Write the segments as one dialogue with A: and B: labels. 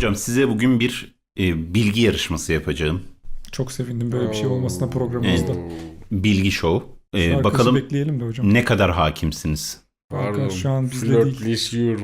A: Hocam size bugün bir bilgi yarışması yapacağım.
B: Çok sevindim böyle bir şey olmasına programımızda.
A: Bilgi show.
B: Arkadaşı
A: Bakalım
B: bekleyelim de hocam.
A: ne kadar hakimsiniz?
B: Pardon, şu an bizde değil.
C: Flörtleşiyorum.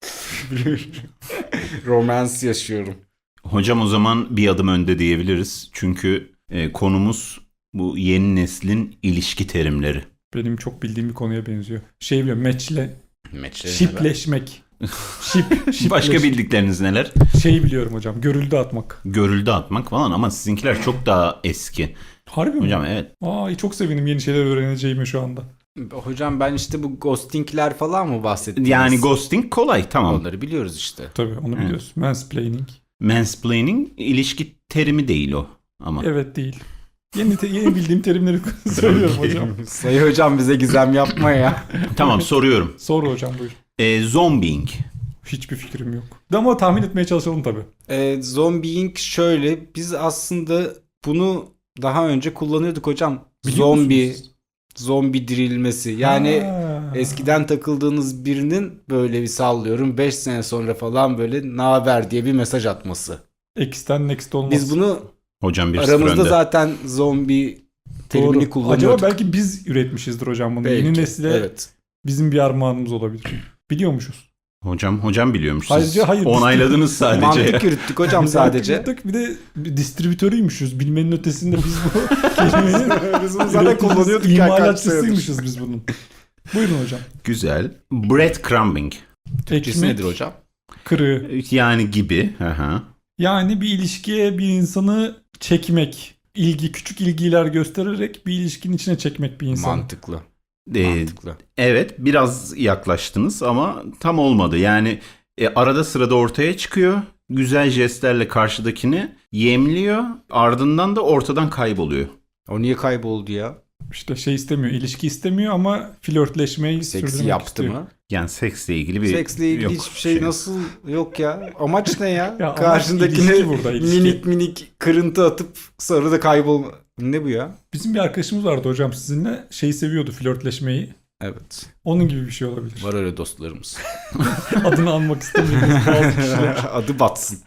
C: Romans yaşıyorum.
A: Hocam o zaman bir adım önde diyebiliriz. Çünkü konumuz bu yeni neslin ilişki terimleri.
B: Benim çok bildiğim bir konuya benziyor. Şey biliyorum,
C: Meçleri
B: şipleşmek. Şipleşmek.
A: Başka bildikleriniz neler?
B: Şey biliyorum hocam, görüldü atmak.
A: Görüldü atmak falan ama sizinkiler çok daha eski.
B: Harbi mi?
A: Hocam evet.
B: Çok sevindim yeni şeyler öğreneceğimi şu anda.
C: Hocam ben işte bu ghostingler falan mı bahsettiniz?
A: Yani ghosting kolay, tamam.
C: Onları biliyoruz işte.
B: Tabii onu biliyoruz. Mansplaining.
A: Mansplaining ilişki terimi değil o ama.
B: Evet değil. Yeni bildiğim terimleri söylüyorum hocam.
C: Sayı hocam bize gizem yapma ya.
A: Tamam, soruyorum.
B: Sor hocam, buyur.
A: Zombieing.
B: Hiçbir fikrim yok. Ama tahmin etmeye çalışalım tabii.
C: Zombieing şöyle. Biz aslında bunu daha önce kullanıyorduk hocam.
B: Biliyor musunuz?
C: Zombi dirilmesi. Yani
B: Ha.
C: eskiden takıldığınız birinin böyle bir sallıyorum 5 sene sonra falan böyle naber diye bir mesaj atması.
B: X'ten next olmaz.
C: Biz bunu
A: Hocam bir
C: aramızda
A: sıfır önde.
C: zaten zombi terimini
B: Doğru.
C: kullanıyorduk.
B: Acaba belki biz üretmişizdir hocam bunu.
C: Belki,
B: Yeni nesile
C: evet.
B: bizim bir armağanımız olabilir. Biliyormuşuz.
A: Hocam biliyormuş. Siz
B: Hayır.
A: onayladınız sadece.
C: Mantık yürüttük hocam sadece.
B: Bir de bir distribütörüymüşüz. Bilmenin ötesinde biz bu kelimeyi
C: Biz bunu zaten kullanıyorduk ya kaç senedir.
B: imalatçısıymışız biz bunun. Buyurun hocam.
A: Güzel. Breadcrumbing.
C: Türkçesi
B: Ekmek
C: nedir hocam?
B: kırığı.
A: Yani gibi. Aha.
B: Yani bir ilişkiye bir insanı çekmek. Küçük ilgiler göstererek bir ilişkinin içine çekmek bir insanı.
C: Mantıklı.
A: Ee, evet, biraz yaklaştınız ama tam olmadı. Yani arada sırada ortaya çıkıyor. Güzel jestlerle karşıdakini yemliyor. Ardından da ortadan kayboluyor.
C: O niye kayboldu ya?
B: İşte şey istemiyor, ilişki istemiyor ama flörtleşmeyi
C: Seksi
B: sürdürmek
C: yaptı
B: istiyor.
C: mı?
A: Yani seksle ilgili bir
C: Seksle ilgili
A: yok
C: hiçbir şey nasıl yok ya? Amaç ne ya?
B: Ya amaç
C: Karşındakine
B: ilişki burada, ilişki.
C: minik kırıntı atıp sonra da kaybolma. Ne bu ya?
B: Bizim bir arkadaşımız vardı hocam sizinle. Şeyi seviyordu, flörtleşmeyi.
C: Evet.
B: Onun gibi bir şey olabilir.
C: Var öyle dostlarımız.
B: Adını almak istemiyoruz bazı kişiler.
C: Adı batsın.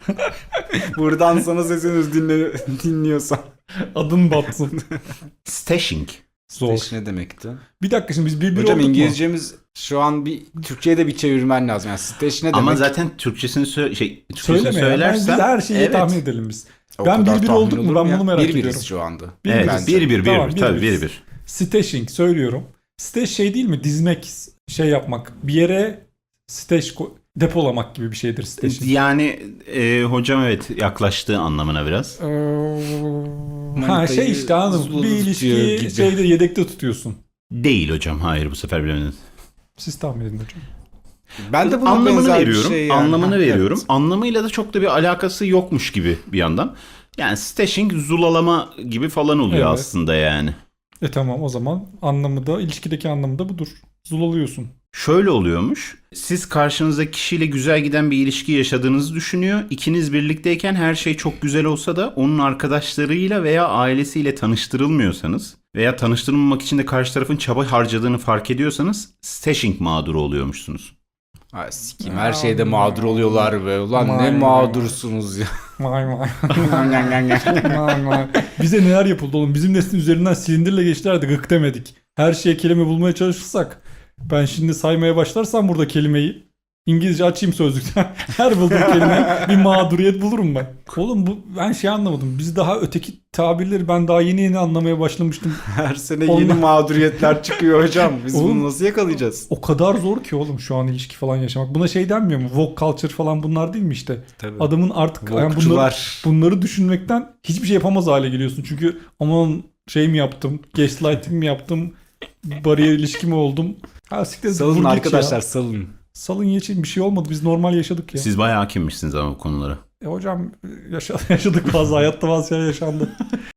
C: Buradan sana sesleniyoruz dinliyorsan.
B: Adın batsın.
A: Stashing.
B: Zor.
C: İşte ne demekti?
B: Bir dakika şimdi biz bir
C: Hocam
B: olduk mu?
C: İngilizcemiz şu an bir Türkçe'ye de bir çevirmen lazım. Yani stage ne demek?
A: Ama zaten Türkçesini Türkçesini
B: Söyleme ya.
A: söylersen
B: Biz her şeyi
A: evet.
B: tahmin edelim biz.
C: O
B: Ben
C: kadar
B: 1-1
C: tahmin
B: olduk mu?
C: olur
B: Ben
C: ya?
B: bunu merak
C: 1-1'iz
B: ediyorum.
C: şu anda.
A: Evet,
B: Bence.
A: 1-1
B: Tamam,
A: tabii 1-1.
B: Stashing söylüyorum. Stash şey değil mi? Dizmek, şey yapmak. Bir yere depolamak gibi bir şeydir stashing.
A: Yani hocam evet, yaklaştığı anlamına biraz.
B: Şey işte anladım.
C: Zula'da
B: Bir
C: tutuyor
B: ilişkiyi
C: gibi.
B: şeyde yedekte tutuyorsun.
A: Değil hocam, hayır, bu sefer bilemediniz.
B: Siz tahmin edin hocam.
C: Ben de buna
A: Anlamını
C: benzer bir
A: veriyorum.
C: şey yani.
A: Anlamını
C: Ha,
A: veriyorum.
C: evet.
A: Anlamıyla da çok da bir alakası yokmuş gibi bir yandan. Yani stashing zulalama gibi falan oluyor
B: Evet.
A: aslında yani.
B: Tamam, o zaman anlamı da, ilişkideki anlamı da budur. Zulalıyorsun.
A: Şöyle oluyormuş. Siz karşınızdaki kişiyle güzel giden bir ilişki yaşadığınızı düşünüyor. İkiniz birlikteyken her şey çok güzel olsa da onun arkadaşlarıyla veya ailesiyle tanıştırılmıyorsanız veya tanıştırılmamak için de karşı tarafın çaba harcadığını fark ediyorsanız stashing mağduru oluyormuşsunuz.
C: Ay sikim, her şeyde mağdur oluyorlar be. Ulan ne
B: Vay
C: mağdursunuz ya.
B: Vay. Bize neler yapıldı oğlum? Bizim neslin üzerinden silindirle geçtiler de gık demedik. Her şeye kelime bulmaya çalışırsak, ben şimdi saymaya başlarsam burada kelimeyi, İngilizce açayım sözlükten. Her bulduğum kelime bir mağduriyet bulurum ben. Oğlum ben şey anlamadım. Biz daha öteki tabirleri ben daha yeni anlamaya başlamıştım.
C: Her sene
B: Onlar-
C: yeni mağduriyetler çıkıyor hocam. Biz
B: Oğlum-
C: bunu nasıl yakalayacağız?
B: O kadar zor ki oğlum şu an ilişki falan yaşamak. Buna şey denmiyor mu? Woke culture falan bunlar değil mi işte?
C: Tabii.
B: Adamın artık yani
C: Vokçular.
B: bunları düşünmekten hiçbir şey yapamaz hale geliyorsun. Çünkü aman şey mi yaptım? Gaslighting mi yaptım? Bariyer ilişki mi oldum? Ha, siktir,
C: Salın
B: vur geç
C: arkadaşlar
B: ya.
C: salın.
B: Salın geçin, bir şey olmadı. Biz normal yaşadık ya.
A: Siz bayağı hakimmişsiniz ama bu konulara.
B: Hocam yaşadık bazı hayatta bazı şeyler yaşandı.